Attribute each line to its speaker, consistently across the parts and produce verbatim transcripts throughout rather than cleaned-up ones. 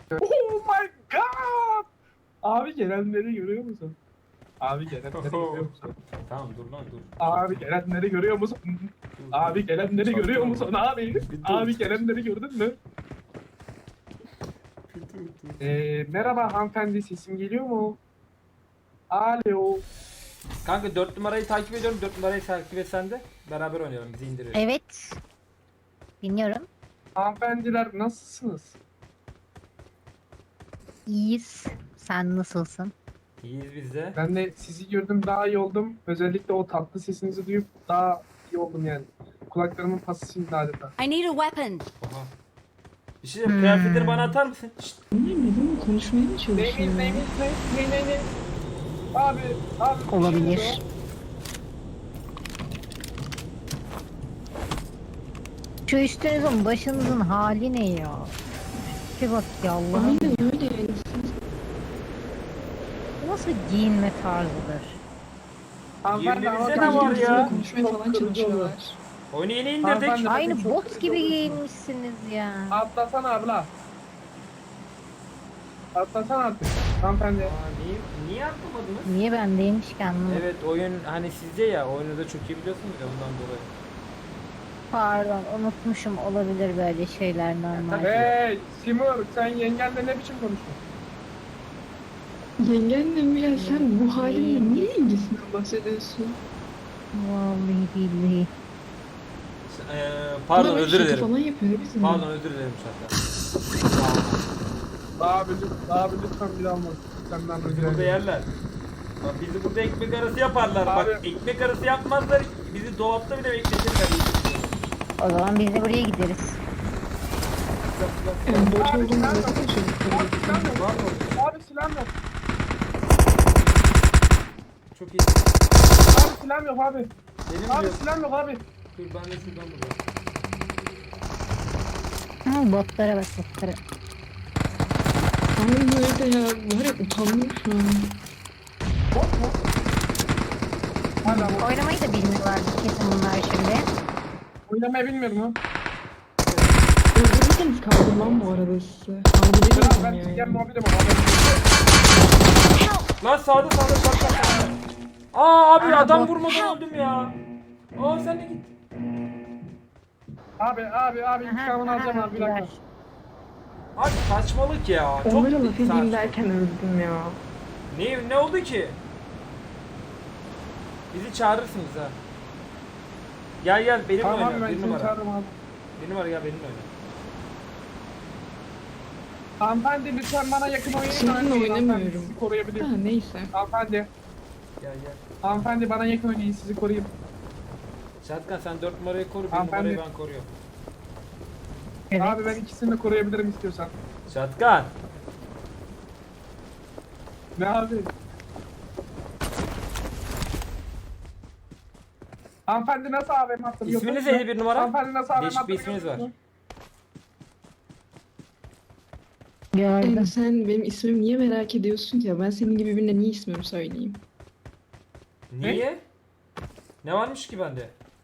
Speaker 1: Oh my god! Abi gelenleri görüyor musun? Abi gelenleri görüyor musun?
Speaker 2: Tamam dur lan dur.
Speaker 1: Abi gelenleri görüyor musun? Abi gelenleri görüyor musun abi? Abi gelenleri gördün mü? Ee, merhaba hanımefendi, sesim geliyor mu? Alo.
Speaker 2: Kanka dört numarayı takip ediyorum. dört numarayı takip etsen de beraber oynayalım. Bizi indiriyor.
Speaker 3: Evet. Dinliyorum.
Speaker 1: Hanımefendiler nasılsınız?
Speaker 3: İyiyiz. Sen nasılsın?
Speaker 2: İyiyiz biz de.
Speaker 1: Ben de sizi gördüm, daha iyi oldum. Özellikle o tatlı sesinizi duyup daha iyi oldum yani. Kulaklarımın pası şimdi adeta.
Speaker 4: I need a weapon.
Speaker 2: Oha. Bir şey diyeyim, kıyafetleri bana atar mısın? Şşt.
Speaker 5: Neden konuşmaya mı çalışıyor?
Speaker 1: Neyiniz neyiniz ne? Ne ne ne? Abi, abi. bir şey
Speaker 3: Olabilir.
Speaker 1: oluyor.
Speaker 3: Şu üstünüzün başınızın hali ne ya? Bir bak ya Allah'ım.
Speaker 5: Aynen öyle yani.
Speaker 3: Bu nasıl giyinme tarzıdır?
Speaker 1: Hanımefendi ama
Speaker 2: Yirmimizde ne var ya?
Speaker 5: Konuşmaya falan çalışıyorlar.
Speaker 2: Oyunu yeni indirdik.
Speaker 1: Hanımefendi-
Speaker 3: Aynı
Speaker 1: çok
Speaker 3: bot
Speaker 1: kötü
Speaker 3: gibi
Speaker 1: oldu.
Speaker 3: giyinmişsiniz ya.
Speaker 1: Atlasana abla. Atlasana artık. Hanımefendi.
Speaker 2: Aa, niye, niye atlamadınız?
Speaker 3: Niye bendeymiş ki anlamadım.
Speaker 2: Evet oyun hani sizde ya, oyunu da çok iyi biliyorsunuz ya ondan dolayı.
Speaker 3: Pardon, unutmuşum, olabilir böyle şeyler normal.
Speaker 2: tabii.
Speaker 1: Hey Simur, sen yengenle ne biçim konuşuyorsun?
Speaker 5: Yengenle mi ya sen bu halinle niye ilgisinden bahsediyorsun?
Speaker 3: Vallahi billahi.
Speaker 2: Ee, pardon
Speaker 5: Bana böyle
Speaker 2: özür
Speaker 5: şaka
Speaker 2: dilerim.
Speaker 5: falan yapıyor bizim.
Speaker 2: Pardon özür dilerim şaka.
Speaker 1: Abi, lütfen, abi lütfen bir daha olmaz. Senden özür
Speaker 2: Bizi burada
Speaker 1: dilerim.
Speaker 2: yerler. Bak bizi burada ekmek arası yaparlar. Bak
Speaker 1: Abi.
Speaker 2: ekmek arası yapmazlar. Bizi dolapta bile bekletirler.
Speaker 3: O zaman biz de buraya gideriz.
Speaker 5: Yani bot
Speaker 1: Abi
Speaker 5: olduğunu
Speaker 1: silah yok.
Speaker 5: anlatsana çocuklara.
Speaker 1: Abi silah yok.
Speaker 2: Var mı?
Speaker 1: Abi silah yok.
Speaker 2: Çok iyi.
Speaker 1: Abi silah yok abi.
Speaker 2: Benim
Speaker 1: Abi
Speaker 2: yok.
Speaker 1: silah yok abi.
Speaker 2: Dur ben de şuradan bulayım.
Speaker 3: Ha, botlara bak botlara.
Speaker 5: Aynen öyle ya. Var ya utandım şu an.
Speaker 1: Bot mu? Hala bot.
Speaker 3: Oynamayı da bilmiyorlar kesin bunlar şimdi.
Speaker 1: Oynamayı bilmiyor mu?
Speaker 5: Öldürürseniz kaldırmam bu arada size.
Speaker 1: Biraz
Speaker 5: Kaldırıyorum
Speaker 1: ben
Speaker 5: yani.
Speaker 1: çigen muhabirim ama.
Speaker 2: Lan sağda sağda bak bak bak. Aa abi
Speaker 3: Aha,
Speaker 2: adam
Speaker 3: bot.
Speaker 2: vurmadan öldüm ya. Aa sen de git.
Speaker 1: Abi abi abi intikamını alacağım abi bir dakika.
Speaker 2: Abi saçmalık ya. Çok
Speaker 5: Onlara laf
Speaker 2: saçma.
Speaker 5: edeyim derken öldüm ya.
Speaker 2: Ne ne oldu ki? Bizi çağırırsınız ha. Gel gel benimle
Speaker 1: Tamam abi
Speaker 2: oyna.
Speaker 1: ben
Speaker 2: Bir
Speaker 1: seni
Speaker 2: numara.
Speaker 1: çağırırım abi.
Speaker 2: Bir numara gel benimle oyna.
Speaker 1: Hanımefendi lütfen bana yakın oynayın.
Speaker 5: Sizinle
Speaker 1: Hanımefendi,
Speaker 5: oynamıyorum.
Speaker 1: Sizi koruyabilirim.
Speaker 5: Ha neyse.
Speaker 1: Hanımefendi.
Speaker 2: Gel gel.
Speaker 1: Hanımefendi bana yakın oynayın, sizi koruyayım.
Speaker 2: Şatkan sen dört numarayı koru, bir
Speaker 1: Hanımefendi.
Speaker 2: numarayı ben koruyorum.
Speaker 3: Evet.
Speaker 1: Abi ben ikisini de koruyabilirim istiyorsan.
Speaker 2: Şatkan.
Speaker 1: Ne abi? Hanımefendi nasıl A V M hatırlıyorsunuz?
Speaker 2: İsminiz neydi bir numara?
Speaker 1: Hanımefendi nasıl A V M
Speaker 2: Değişik bir
Speaker 1: hatırlıyorsunuz?
Speaker 2: isminiz var.
Speaker 3: Gördüm.
Speaker 5: Yani sen benim ismimi niye merak ediyorsun ki ya? Ben senin gibi birine niye ismimi söyleyeyim?
Speaker 2: Niye? Ne varmış ki bende?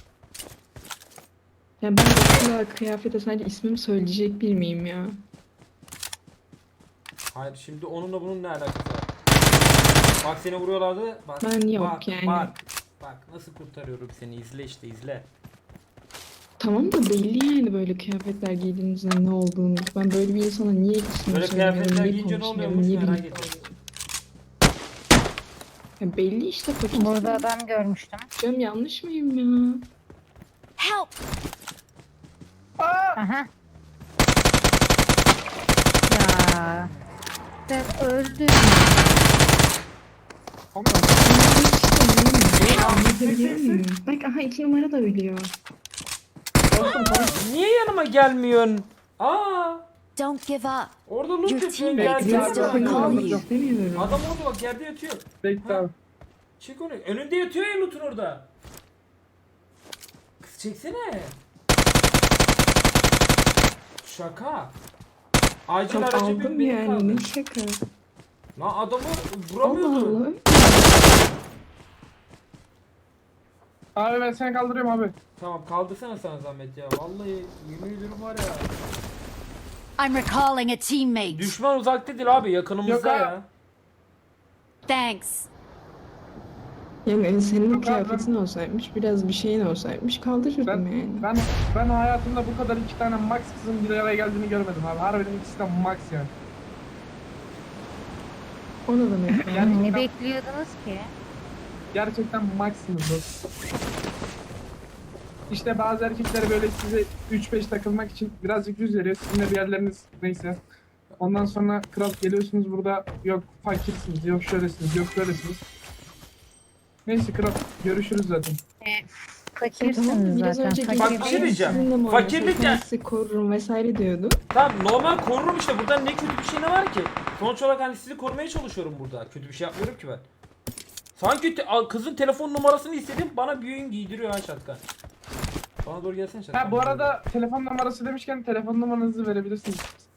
Speaker 5: Ya ben okula, kıyafete sadece ismimi söyleyecek bir miyim ya?
Speaker 2: Hayır şimdi onunla bunun ne alakası var? Bak seni vuruyorlardı. Bak,
Speaker 5: Ben yok
Speaker 2: bak,
Speaker 5: yani.
Speaker 2: Bak, bak nasıl kurtarıyorum seni, izle işte izle.
Speaker 5: Tamam da belli yani böyle kıyafetler giydiğinizde ne olduğunu. Ben böyle bir insana niye ismimi
Speaker 2: Böyle
Speaker 5: söylemiyorum,
Speaker 2: kıyafetler
Speaker 5: niye
Speaker 2: giyince ne
Speaker 5: konuşmuyorum,
Speaker 2: oluyormuş
Speaker 5: niye
Speaker 2: merak
Speaker 5: bilmiyorum.
Speaker 2: ediyorum.
Speaker 5: Ya belli işte fakir.
Speaker 3: Burada adam görmüştüm.
Speaker 5: Canım yanlış mıyım ya?
Speaker 4: Help!
Speaker 1: Aa!
Speaker 3: Aha. Ya. Ben öldüm.
Speaker 5: Anlatabiliyor muyum? Bak aha iki numara da biliyor.
Speaker 2: Niye yanıma gelmiyorsun? Aa!
Speaker 4: Don't give up.
Speaker 2: Orada loot
Speaker 4: Your
Speaker 2: yapıyorsun
Speaker 4: teammates
Speaker 2: gel
Speaker 4: can
Speaker 2: gel.
Speaker 4: still
Speaker 2: gel.
Speaker 4: call
Speaker 1: Yok.
Speaker 4: you.
Speaker 5: İstemiyorum.
Speaker 2: Adam orada bak yerde yatıyor.
Speaker 1: Bekle
Speaker 2: Ha.
Speaker 1: abi.
Speaker 2: Çek onu. Önünde yatıyor ya loot'un orada. Kız çeksene. Şaka. Acil
Speaker 5: Tam
Speaker 2: aracı bir
Speaker 5: aldım
Speaker 2: beni
Speaker 5: yani
Speaker 2: kaldı.
Speaker 5: ne şaka.
Speaker 2: Lan adamı
Speaker 5: Allah
Speaker 2: vuramıyordu.
Speaker 5: Allah.
Speaker 1: Abi ben seni kaldırıyorum abi.
Speaker 2: Tamam kaldırsana sana zahmet ya. Vallahi yemin ediyorum var ya.
Speaker 4: I'm recalling a teammate.
Speaker 2: Düşman uzakta değil abi, yakınımızda
Speaker 1: Yok abi.
Speaker 2: ya.
Speaker 4: Thanks.
Speaker 5: Yani senin
Speaker 1: Yok abi,
Speaker 5: kıyafetin olsaymış, biraz bir şeyin olsaymış kaldırırdım
Speaker 1: Ben,
Speaker 5: yani.
Speaker 1: ben, ben hayatımda bu kadar iki tane max kızın bir araya geldiğini görmedim abi. Harbiden ikisi de max yani.
Speaker 5: O ne demek? ya?
Speaker 1: Yani-
Speaker 3: Ne bekliyordunuz ki?
Speaker 1: Gerçekten maxsınız dostum. İşte bazı erkekler böyle size üç beş takılmak için birazcık yüz veriyor. Sizin de bir yerleriniz neyse. Ondan sonra kral geliyorsunuz burada, yok fakirsiniz, yok şöylesiniz, yok böylesiniz. Neyse kral, görüşürüz zaten.
Speaker 3: Fakirsiniz
Speaker 5: Tamam, biraz
Speaker 3: zaten.
Speaker 5: önce
Speaker 3: fakir
Speaker 2: Bak bir şey
Speaker 3: değilsiniz.
Speaker 2: diyeceğim.
Speaker 5: Sizinle muhabbet
Speaker 2: Fakirlik
Speaker 5: ederken
Speaker 2: ya-
Speaker 5: sizi korurum vesaire diyordu.
Speaker 2: Tamam, normal korurum işte, buradan ne kötü bir şey ne var ki? Sonuç olarak hani sizi korumaya çalışıyorum burada. Kötü bir şey yapmıyorum ki ben. Sanki te- a- kızın telefon numarasını istedim, bana bir oyun giydiriyor ha şatkan. Bana doğru gelsene şatkan.
Speaker 1: Ha bu arada telefon numarası demişken telefon numaranızı verebilirsiniz.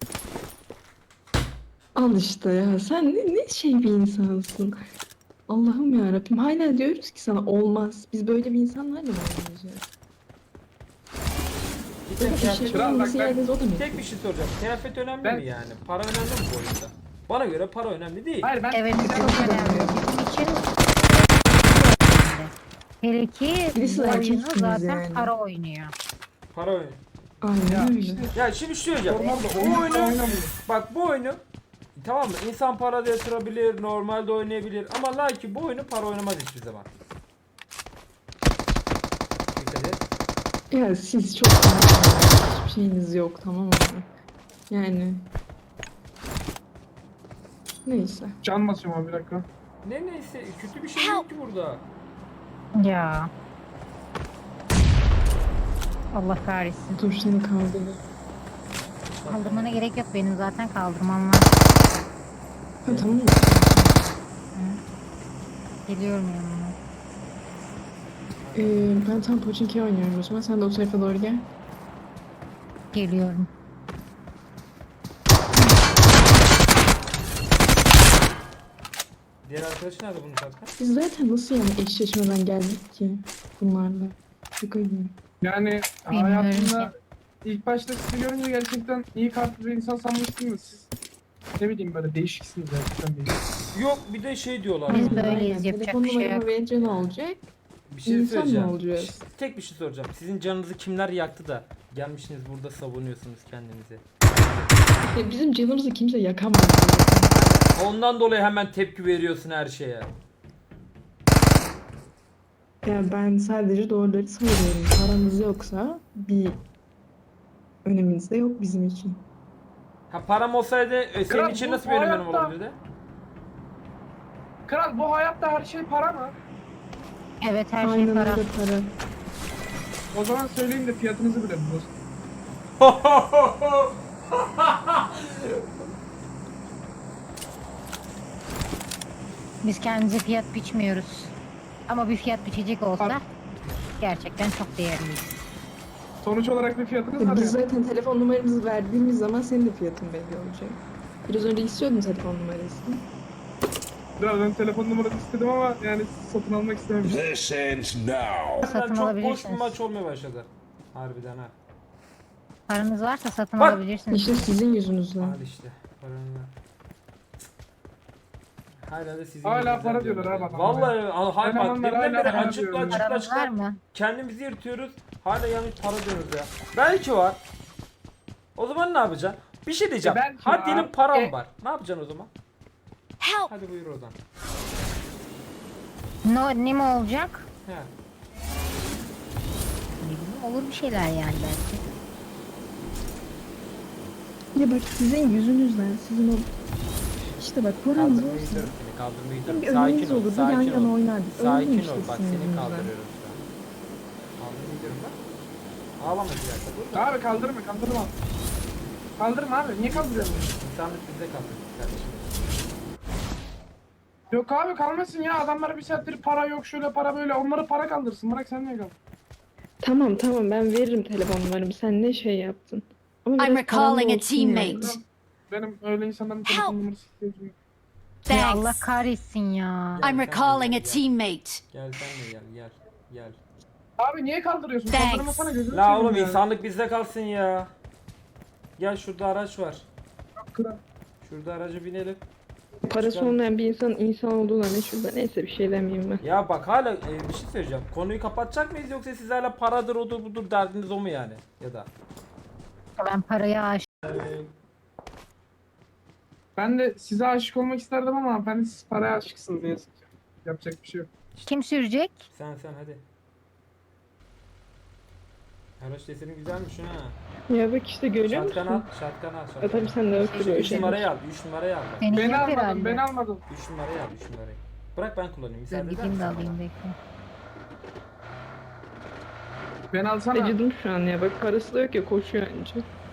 Speaker 5: Al işte ya, sen ne, ne şey bir insansın. Allah'ım ya Rabbim, hala diyoruz ki sana olmaz. Biz böyle bir insanlarla mı oynayacağız?
Speaker 2: Bir
Speaker 5: Böyle
Speaker 2: tek,
Speaker 5: bir
Speaker 2: kıyafet,
Speaker 5: şey
Speaker 1: Kral, bak
Speaker 5: olması
Speaker 1: ben-
Speaker 5: yerdiniz, o da mı?
Speaker 2: tek bir şey soracağım. Kıyafet önemli
Speaker 1: Ben-
Speaker 2: mi yani? Para önemli mi bu oyunda? Bana göre para önemli değil.
Speaker 1: Hayır ben
Speaker 3: Evet
Speaker 1: bir
Speaker 3: çok
Speaker 1: dakika-
Speaker 3: önemli. Bizim için hele ki
Speaker 5: Birisi
Speaker 3: bu oyunu
Speaker 5: erkeksiniz
Speaker 3: zaten
Speaker 5: yani.
Speaker 3: para oynuyor.
Speaker 2: Para önemli.
Speaker 5: Aynen
Speaker 1: Ya
Speaker 5: öyle.
Speaker 1: işte
Speaker 2: Ya şimdi şu söyleyeceğim.
Speaker 1: normalde
Speaker 2: Bu
Speaker 1: oyun
Speaker 2: oyunu,
Speaker 1: oynamıyor.
Speaker 2: bak bu oyunu tamam mı? İnsan para da yatırabilir, normalde oynayabilir ama lakin bu oyunu para oynamaz hiçbir zaman. Dikkat et.
Speaker 5: Ya siz çok hiçbir şeyiniz yok, tamam mı? Yani neyse.
Speaker 1: Can basıyorum abi bir dakika.
Speaker 2: Ne neyse, kötü bir şey yok ki burada.
Speaker 3: Ya. Allah kahretsin.
Speaker 5: Dur seni kaldırır.
Speaker 3: Kaldırmana gerek yok, benim zaten kaldırmam var.
Speaker 5: Ha tamam mı?
Speaker 3: Geliyorum yanına.
Speaker 5: Ee, ben tam Pochinki oynuyorum o zaman. Sen de o tarafa doğru gel.
Speaker 3: Geliyorum.
Speaker 2: Diğer arkadaşı nerede bunun zaten?
Speaker 5: Biz zaten nasıl yani eşleşmeden geldik ki bunlarla? Şaka gibi.
Speaker 1: Yani
Speaker 3: Bilmiyorum
Speaker 1: hayatımda ilk başta sizi görünce gerçekten iyi kalpli bir insan sanmıştım da siz ne bileyim böyle değişiksiniz gerçekten değişik.
Speaker 2: Yok, bir de şey diyorlar.
Speaker 3: Biz
Speaker 2: bana.
Speaker 3: böyleyiz,
Speaker 5: Aynen.
Speaker 3: yapacak
Speaker 5: Telefon
Speaker 3: bir şey
Speaker 5: numaramı
Speaker 3: yok.
Speaker 5: verince ne olacak?
Speaker 2: Bir şey
Speaker 5: İnsan mı
Speaker 2: söyleyeceğim.
Speaker 5: olacağız?
Speaker 2: Ş- Tek bir şey soracağım. Sizin canınızı kimler yaktı da gelmişsiniz burada savunuyorsunuz kendinizi.
Speaker 5: Ya bizim canımızı kimse yakamaz.
Speaker 2: Ondan dolayı hemen tepki veriyorsun her şeye.
Speaker 5: Ya ben sadece doğruları söylüyorum. Paramız yoksa bir öneminiz de yok bizim için.
Speaker 2: Ha, param olsaydı e, senin
Speaker 1: Kral,
Speaker 2: için
Speaker 1: bu
Speaker 2: nasıl bir önemim
Speaker 1: hayatta-
Speaker 2: olabilirdi?
Speaker 1: Kral bu hayatta her şey para mı?
Speaker 3: Evet, her şey
Speaker 5: Aynen
Speaker 3: para.
Speaker 5: öyle para.
Speaker 1: O zaman söyleyin de fiyatınızı bilelim dostum.
Speaker 3: Biz kendimize fiyat biçmiyoruz. Ama bir fiyat biçecek olsa
Speaker 1: Ar-
Speaker 3: gerçekten çok değerliyiz.
Speaker 1: Sonuç olarak bir fiyatınız
Speaker 5: Ya
Speaker 1: var
Speaker 5: biz
Speaker 1: ya.
Speaker 5: zaten telefon numaramızı verdiğimiz zaman senin de fiyatın belli olacak. Biraz önce istiyordun telefon numarasını.
Speaker 1: Kral ben telefon numaranı istedim ama yani satın almak istememiştim.
Speaker 6: This ends now.
Speaker 3: Satın
Speaker 2: Harbiden çok boş bir
Speaker 3: alabilirsiniz.
Speaker 2: maç olmaya başladı. Harbiden ha.
Speaker 3: Paranız varsa satın
Speaker 2: Bak!
Speaker 3: alabilirsiniz.
Speaker 5: İşte sizin yüzünüzden.
Speaker 2: Al işte. Paranı ver. Hala da sizin
Speaker 1: Hala
Speaker 2: yüzünüzden
Speaker 1: para diyorlar
Speaker 2: diyorum
Speaker 1: ha
Speaker 2: ya.
Speaker 1: bak.
Speaker 2: Vallahi al- hay bak
Speaker 1: Elemanlar
Speaker 2: deminden
Speaker 1: hala
Speaker 2: beri
Speaker 1: para
Speaker 2: açıkla
Speaker 1: diyorlar.
Speaker 2: açıkla
Speaker 3: Paranız var
Speaker 2: açıkla.
Speaker 3: mı?
Speaker 2: Kendimizi yırtıyoruz. Hala yanlış para diyoruz ya. Belki var. O zaman ne yapacaksın? Bir şey diyeceğim.
Speaker 1: E belki
Speaker 2: Hadi
Speaker 1: var.
Speaker 2: diyelim param
Speaker 1: E-
Speaker 2: var. Ne yapacaksın o zaman?
Speaker 4: Help!
Speaker 2: Hadi buyur oradan.
Speaker 3: No, ne mi olacak?
Speaker 2: He.
Speaker 3: Ne bileyim, olur bir şeyler yani belki.
Speaker 5: Ya bak sizin yüzünüzden, sizin o... İşte bak paranız
Speaker 2: Kaldırmayı
Speaker 5: olsa
Speaker 2: gidiyorum seni, kaldırmayı
Speaker 5: hem
Speaker 2: gidiyorum.
Speaker 5: bir önünüz
Speaker 2: Sakin ol,
Speaker 5: olurdu, yan
Speaker 2: sakin
Speaker 5: yana
Speaker 2: ol.
Speaker 5: oynardık. Öldüm
Speaker 2: Sakin
Speaker 5: işte
Speaker 2: ol, bak
Speaker 5: sizin
Speaker 2: seni
Speaker 5: yüzünüzden.
Speaker 2: kaldırıyorum şu an. Kaldırmayı gidiyorum bak. Ağlama bir dakika, dur.
Speaker 1: Abi kaldırma kaldırma. Kaldırma abi niye kaldırıyorsun?
Speaker 2: İnsanlık bizde kaldı kardeşim.
Speaker 1: Yok abi kalmasın ya, adamlara bir saattir para yok şöyle para böyle, onları para kaldırsın, bırak sen niye kal?
Speaker 5: Tamam tamam, ben veririm telefon numaramı. Sen ne şey yaptın? Ama
Speaker 4: I'm
Speaker 5: biraz param
Speaker 4: recalling a
Speaker 5: olsun yani.
Speaker 4: teammate.
Speaker 1: Benim öyle insanların telefon numarası ihtiyacım yok.
Speaker 3: Ya Allah
Speaker 4: Thanks.
Speaker 3: kahretsin ya.
Speaker 2: Gel,
Speaker 4: I'm
Speaker 2: sen de
Speaker 4: recalling
Speaker 2: gel,
Speaker 4: a
Speaker 2: gel.
Speaker 4: teammate.
Speaker 2: Gel sen de gel, gel, gel.
Speaker 1: Abi niye kaldırıyorsun?
Speaker 4: Thanks.
Speaker 1: Kaldırmasana gözünü
Speaker 2: La
Speaker 1: seveyim
Speaker 2: oğlum
Speaker 1: ya.
Speaker 2: insanlık bizde kalsın ya. Gel şurada araç var.
Speaker 1: Kral.
Speaker 2: Şurada araca binelim.
Speaker 5: Parası
Speaker 2: Çıkalım.
Speaker 5: olmayan bir insan insan olduğuna ne şurada. Neyse bir şey demeyeyim ben.
Speaker 2: Ya bak hala e, bir şey söyleyeceğim. Konuyu kapatacak mıyız yoksa siz hala paradır odur budur derdiniz o mu yani? Ya da.
Speaker 3: Ben paraya aşık.
Speaker 1: Ben de size aşık olmak isterdim ama ben de siz paraya aşıksınız ne yazık ki. Yapacak bir şey yok.
Speaker 3: Kim sürecek?
Speaker 2: Sen sen hadi. Araç deseni güzelmiş ha.
Speaker 5: Ya bak işte görüyor
Speaker 2: Şatkan al,
Speaker 5: musun?
Speaker 2: şatkan al,
Speaker 5: Ya
Speaker 2: şatkan.
Speaker 5: tabii sen de yok böyle
Speaker 2: üç
Speaker 5: şey.
Speaker 2: numarayı al, üç numarayı al.
Speaker 3: Seni
Speaker 1: Beni
Speaker 3: yok
Speaker 1: almadın,
Speaker 3: herhalde.
Speaker 1: beni almadın.
Speaker 2: üç numarayı al, üç numarayı. Bırak ben kullanayım.
Speaker 3: Dur
Speaker 2: Müsaade eder
Speaker 3: gideyim de
Speaker 2: misin
Speaker 3: alayım
Speaker 2: bana?
Speaker 3: bekle.
Speaker 1: Beni alsana.
Speaker 5: Acıdım şu an ya. Bak parası da yok ya koşuyor önce.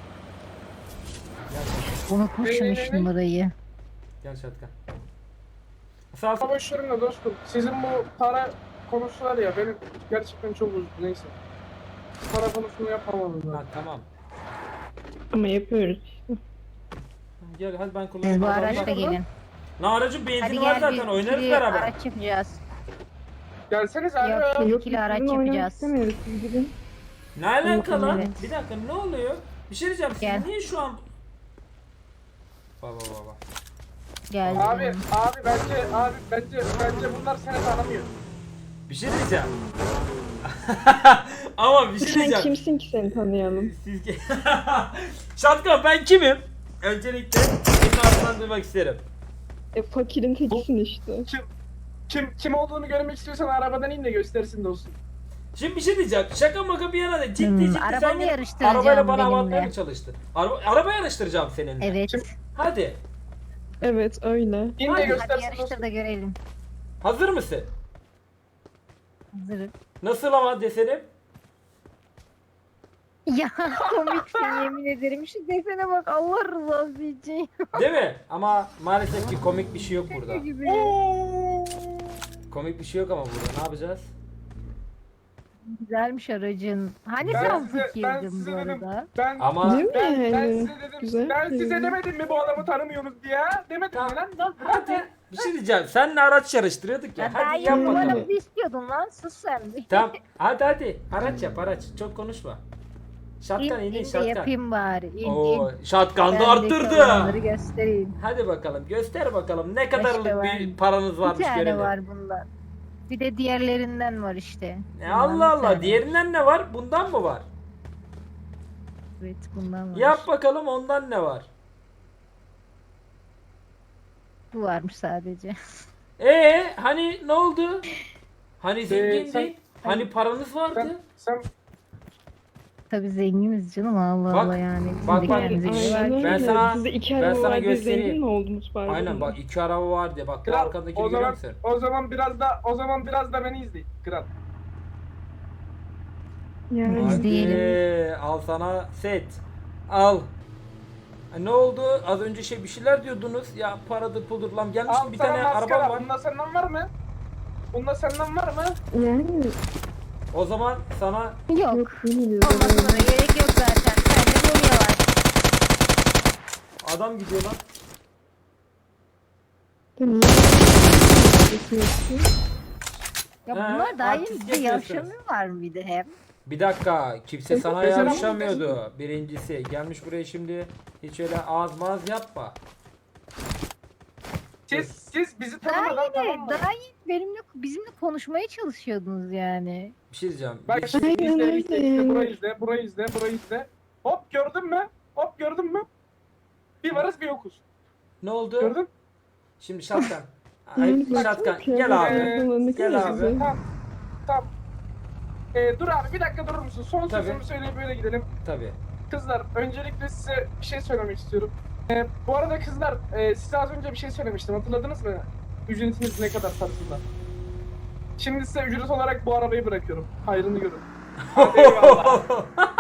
Speaker 2: Gel şatkan.
Speaker 3: Unutmuşum
Speaker 1: Ee,
Speaker 3: üç numarayı.
Speaker 2: Gel şatkan. Sağ ol.
Speaker 1: Boş verin de dostum. Sizin bu para konusu var ya benim gerçekten çok uzun neyse. Para konusunu yapamadım
Speaker 2: Ha,
Speaker 1: ben.
Speaker 2: tamam.
Speaker 5: Ama yapıyoruz işte.
Speaker 2: Gel hadi ben kullanayım.
Speaker 3: Siz bu
Speaker 2: Hadi,
Speaker 3: araçla
Speaker 2: hadi.
Speaker 3: gelin.
Speaker 2: Ne aracın benzin
Speaker 3: Hadi
Speaker 2: var
Speaker 3: gel
Speaker 2: zaten
Speaker 3: biz
Speaker 2: oynarız
Speaker 3: ikili
Speaker 2: beraber.
Speaker 3: araç yapacağız.
Speaker 1: Gelseniz abi.
Speaker 3: Yok.
Speaker 1: ya.
Speaker 3: İkili araç
Speaker 5: sizinle oynamak
Speaker 3: yapacağız.
Speaker 5: istemiyoruz siz gidin.
Speaker 2: Ne alaka lan?
Speaker 3: Evet.
Speaker 2: Bir dakika ne oluyor? Bir şey diyeceğim siz
Speaker 3: Gel.
Speaker 2: niye şu an... Baba baba.
Speaker 3: Gel.
Speaker 1: Abi, abi bence, abi bence, bence bunlar seni tanımıyor.
Speaker 2: Bir şey diyeceğim. Ama bir şey
Speaker 5: Sen
Speaker 2: diyeceğim.
Speaker 5: kimsin ki seni tanıyalım?
Speaker 2: Siz ki... Şatkan ben kimim? Öncelikle senin ağzından duymak isterim.
Speaker 5: E fakirin tekisin işte.
Speaker 1: Kim, kim, kim olduğunu görmek istiyorsan arabadan in de göstersin dostum.
Speaker 2: Şimdi bir şey diyeceğim. Şaka maka bir yana da ciddi
Speaker 3: Hmm,
Speaker 2: ciddi
Speaker 3: araba
Speaker 2: sen
Speaker 3: mı
Speaker 2: gidip
Speaker 3: yarıştıracağım
Speaker 2: arabayla bana
Speaker 3: benimle?
Speaker 2: avatmaya mı çalıştın? Araba, araba yarıştıracağım seninle.
Speaker 3: Evet.
Speaker 2: Hadi.
Speaker 5: Evet öyle.
Speaker 1: İn
Speaker 2: Hadi,
Speaker 1: de
Speaker 3: Hadi
Speaker 1: göstersin
Speaker 3: yarıştır
Speaker 1: dostum.
Speaker 3: da görelim.
Speaker 2: Hazır mısın?
Speaker 3: Hazırım.
Speaker 2: Nasıl ama desenim?
Speaker 3: Ya komiksin yemin ederim. Şu desene bak Allah rızası için.
Speaker 2: Değil mi? Ama maalesef ki komik bir şey yok burada.
Speaker 3: Şaka gibi.
Speaker 2: Komik bir şey yok ama burada. Ne yapacağız?
Speaker 3: Güzelmiş aracın. Hani
Speaker 1: Ben
Speaker 3: sen
Speaker 1: size- ben
Speaker 3: fikirdin
Speaker 1: size
Speaker 3: bu
Speaker 1: dedim.
Speaker 3: arada?
Speaker 1: Ben,
Speaker 2: Ama
Speaker 5: Değil mi?
Speaker 1: ben, ben
Speaker 5: Yani
Speaker 1: size dedim,
Speaker 5: güzel
Speaker 1: ben
Speaker 5: şey.
Speaker 1: size demedim mi bu adamı tanımıyorsunuz diye? Demedim mi lan? Lan
Speaker 2: hadi. Bir şey diyeceğim. Seninle araç yarıştırıyorduk ya.
Speaker 3: Ya daha
Speaker 2: Hadi
Speaker 3: iyi
Speaker 2: yap bakalım.
Speaker 3: numaramızı istiyordun lan. Sus sen bir.
Speaker 2: Tamam. Hadi hadi. Araç yap araç. Çok konuşma.
Speaker 3: İn,
Speaker 2: Şatkan
Speaker 3: in
Speaker 2: inin
Speaker 3: de
Speaker 2: şatkan.
Speaker 3: yapayım bari. İn,
Speaker 2: Oo,
Speaker 3: in.
Speaker 2: şatkan da
Speaker 3: Bendeki
Speaker 2: arttırdı.
Speaker 3: olanları göstereyim.
Speaker 2: Hadi bakalım göster bakalım ne kadarlık
Speaker 3: İşte
Speaker 2: bir
Speaker 3: var.
Speaker 2: paranız
Speaker 3: Bir
Speaker 2: varmış
Speaker 3: tane
Speaker 2: görelim.
Speaker 3: var bundan. Bir de diğerlerinden var işte.
Speaker 2: E,
Speaker 3: Bundan
Speaker 2: Allah
Speaker 3: bir
Speaker 2: Allah
Speaker 3: tane.
Speaker 2: diğerinden ne var? Bundan mı var?
Speaker 3: Evet bundan var.
Speaker 2: Yap bakalım ondan ne var?
Speaker 3: Bu varmış sadece.
Speaker 2: Ee hani ne oldu? Hani zengindin?
Speaker 1: sen-
Speaker 2: Hani paranız vardı?
Speaker 1: sen, sen
Speaker 3: Tabii zenginiz canım Allah
Speaker 2: Bak,
Speaker 3: Allah yani. Bizim
Speaker 2: bak,
Speaker 3: de
Speaker 2: bak.
Speaker 3: kendimize
Speaker 2: Aynen.
Speaker 3: göre var.
Speaker 5: Aynen
Speaker 2: Ben
Speaker 5: öyle.
Speaker 2: sana-
Speaker 5: Sizde iki
Speaker 2: ben
Speaker 5: araba
Speaker 2: sana
Speaker 5: var diye
Speaker 2: göstereyim.
Speaker 5: zengin mi oldunuz pardon?
Speaker 2: Aynen bak iki araba var diye bak bu
Speaker 1: kral,
Speaker 2: arkadakini
Speaker 1: o
Speaker 2: görüyor
Speaker 1: zaman,
Speaker 2: musun?
Speaker 1: o zaman biraz da, o zaman biraz da beni izleyin kral.
Speaker 5: Yani
Speaker 3: Biz diyelim.
Speaker 2: Hadi al sana set. Al. Ha, ne oldu? Az önce şey bir şeyler diyordunuz. Ya paradır puldur lan gelmiş
Speaker 1: Al
Speaker 2: bir
Speaker 1: sana
Speaker 2: tane
Speaker 1: maskara.
Speaker 2: arabam var.
Speaker 1: Bunda senden var mı? Bunda senden var mı?
Speaker 5: yani
Speaker 2: O zaman sana
Speaker 3: Yok.
Speaker 5: yok değiliz.
Speaker 3: Olmasına da gerek yok zaten. Sende Mumya var.
Speaker 2: adam gidiyor lan.
Speaker 5: Niye?
Speaker 3: Ya
Speaker 2: He,
Speaker 3: bunlar daha iyi
Speaker 2: artist
Speaker 3: bir de
Speaker 2: yapıyorsunuz.
Speaker 3: yaşamıyorlar mı bir de hep?
Speaker 2: Bir dakika kimse sana
Speaker 1: Mesela-
Speaker 2: yarışamıyordu. Birincisi gelmiş buraya şimdi hiç öyle ağız mağaz yapma.
Speaker 1: Siz, siz bizi
Speaker 3: Daha
Speaker 1: tanımadan
Speaker 3: iyi
Speaker 1: tamam mı?
Speaker 3: de, daha iyi benimle bizimle konuşmaya çalışıyordunuz yani.
Speaker 2: Bir şey diyeceğim.
Speaker 1: Bak
Speaker 2: Bir-
Speaker 1: şimdi
Speaker 5: Aynen
Speaker 1: izle,
Speaker 5: öyle
Speaker 1: izle, izle,
Speaker 5: yani.
Speaker 1: burayı izle, burayı izle, burayı izle. Hop gördün mü? Hop gördün mü? Bir varız bir yokuz.
Speaker 2: ne oldu?
Speaker 1: Gördün?
Speaker 2: Şimdi şatkan. Ay,
Speaker 5: Yani baksana
Speaker 2: şatkan
Speaker 5: kıyafetler
Speaker 2: gel abi.
Speaker 1: Ee,
Speaker 5: falan ne
Speaker 2: gel
Speaker 5: kadar
Speaker 2: abi.
Speaker 5: güzel.
Speaker 1: Tamam. Tamam. Ee, dur abi bir dakika durur musun? Son
Speaker 2: Tabii.
Speaker 1: sözümü söyleyip böyle gidelim.
Speaker 2: Tabii.
Speaker 1: Kızlar öncelikle size bir şey söylemek istiyorum. Ee, bu arada kızlar e, size az önce bir şey söylemiştim hatırladınız mı? Ücretiniz ne kadar tarzında. Şimdi size ücret olarak bu arabayı bırakıyorum. Hayrını görün. Hadi eyvallah.